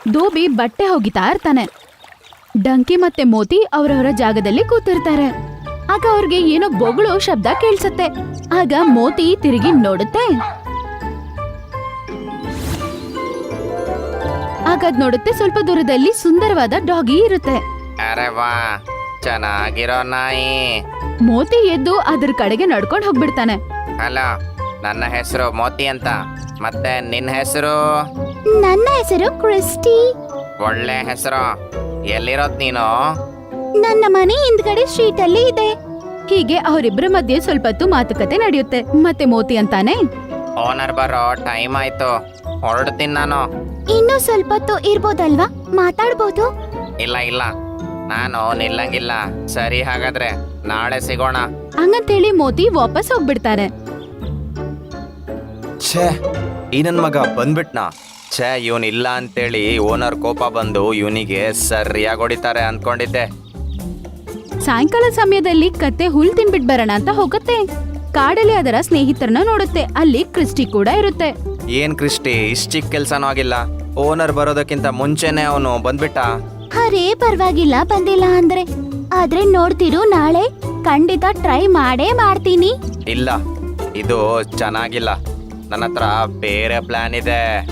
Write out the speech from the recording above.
ದೋಬಿ ಬಟ್ಟೆ ಹೋಗಿತಾ ಇರ್ತಾನೆ. ಡಂಕಿ ಮತ್ತೆ ಮೋತಿ ಅವರವರ ಜಾಗದಲ್ಲಿ ಕೂತಿರ್ತಾರೆ. ಆಗ ಅವ್ರಿಗೆ ಏನೋ ಬೊಗಳು ಶಬ್ದ ಕೇಳಿಸುತ್ತೆ. ಆಗ ಮೋತಿ ತಿರುಗಿ ನೋಡುತ್ತೆ. ಆಗ ಅದ್ ನೋಡುತ್ತೆ, ಸ್ವಲ್ಪ ದೂರದಲ್ಲಿ ಸುಂದರವಾದ ಡಾಗಿ ಇರುತ್ತೆ. ಅರೆ ವಾ, ಚೆನ್ನಾಗಿರೋ ನಾಯಿ. ಮೋತಿ ಎದ್ದು ಅದ್ರ ಕಡೆಗೆ ನಡ್ಕೊಂಡು ಹೋಗ್ಬಿಡ್ತಾನೆ. ಹಲೋ, ನನ್ನ ಹೆಸರು ಮೋತಿ ಅಂತ. ಮತ್ತೆ ನಿನ್ನ ಹೆಸರು? ನನ್ನ ಹೆಸರು ಕ್ರಿಸ್ಟಿ. ಒಳ್ಳೆ ಹೆಸರು. ಎಲ್ಲಿರೋದ್ ನೀನು? ನನ್ನ ಮನೆ ಹಿಂದ್ಗಡೆ ಸ್ಟ್ರೀಟ್ ಅಲ್ಲಿ ಇದೆ. ಹೀಗೆ ಅವರಿಬ್ಬರ ಮಧ್ಯೆ ಸ್ವಲ್ಪ ಹೊತ್ತು ಮಾತುಕತೆ ನಡೆಯುತ್ತೆ. ಮತ್ತೆ ಮೋತಿ ಅಂತಾನೆ, ಓನರ್ ಬರೋ ಟೈಮ್ ಆಯ್ತು, ಹೊರಡ್ತೀನಿ ನಾನು. ಇನ್ನೂ ಸ್ವಲ್ಪ ಹೊತ್ತು ಇರ್ಬೋದಲ್ವಾ, ಮಾತಾಡ್ಬೋದು. ಇಲ್ಲ ಇಲ್ಲ, ನಾನು ನಿಲ್ಲಂಗಿಲ್ಲ. ಸರಿ, ಹಾಗಾದ್ರೆ ನಾಳೆ ಸಿಗೋಣ. ಹಂಗಂತೇಳಿ ಮೋತಿ ವಾಪಸ್ ಹೋಗ್ಬಿಡ್ತಾರೆ. ಛೇ, ಈ ನನ್ ಮಗ ಬಂದ್ಬಿಟ್ನಾ. ಛೇ, ಇವನ್ ಇಲ್ಲ ಅಂತೇಳಿ ಓನರ್ ಕೋಪ ಬಂದು ಇವನಿಗೆ ಸರಿಯಾಗಿ ಹೊಡಿತಾರೆ ಅನ್ಕೊಂಡಿದ್ದೆ. ಸಾಯಂಕಾಲ ಸಮಯದಲ್ಲಿ ಕತ್ತೆ ಹುಲ್ ತಿನ್ಬಿಟ್ ಬರೋಣ ಅಂತ ಹೋಗುತ್ತೆ. ಕಾಡಲ್ಲಿ ಅದರ ಸ್ನೇಹಿತರನ್ನ ನೋಡುತ್ತೆ. ಅಲ್ಲಿ ಕ್ರಿಸ್ಟಿ ಕೂಡ ಇರುತ್ತೆ. ಏನ್ ಕ್ರಿಸ್ಟಿ, ಇಷ್ಟ ಚಿಕ್ಕ ಕೆಲ್ಸನೂ ಆಗಿಲ್ಲ. ಓನರ್ ಬರೋದಕ್ಕಿಂತ ಮುಂಚೆನೆ ಅವನು ಬಂದ್ಬಿಟ್ಟ. ಅರೇ ಪರವಾಗಿಲ್ಲ, ಬಂದಿಲ್ಲ ಅಂದ್ರೆ. ಆದ್ರೆ ನೋಡ್ತಿರು, ನಾಳೆ ಖಂಡಿತ ಟ್ರೈ ಮಾಡೇ ಮಾಡ್ತೀನಿ. ಇಲ್ಲ, ಇದು ಚೆನ್ನಾಗಿಲ್ಲ. ನನ್ನ ಹತ್ರ ಬೇರೆ ಪ್ಲಾನ್ ಇದೆ.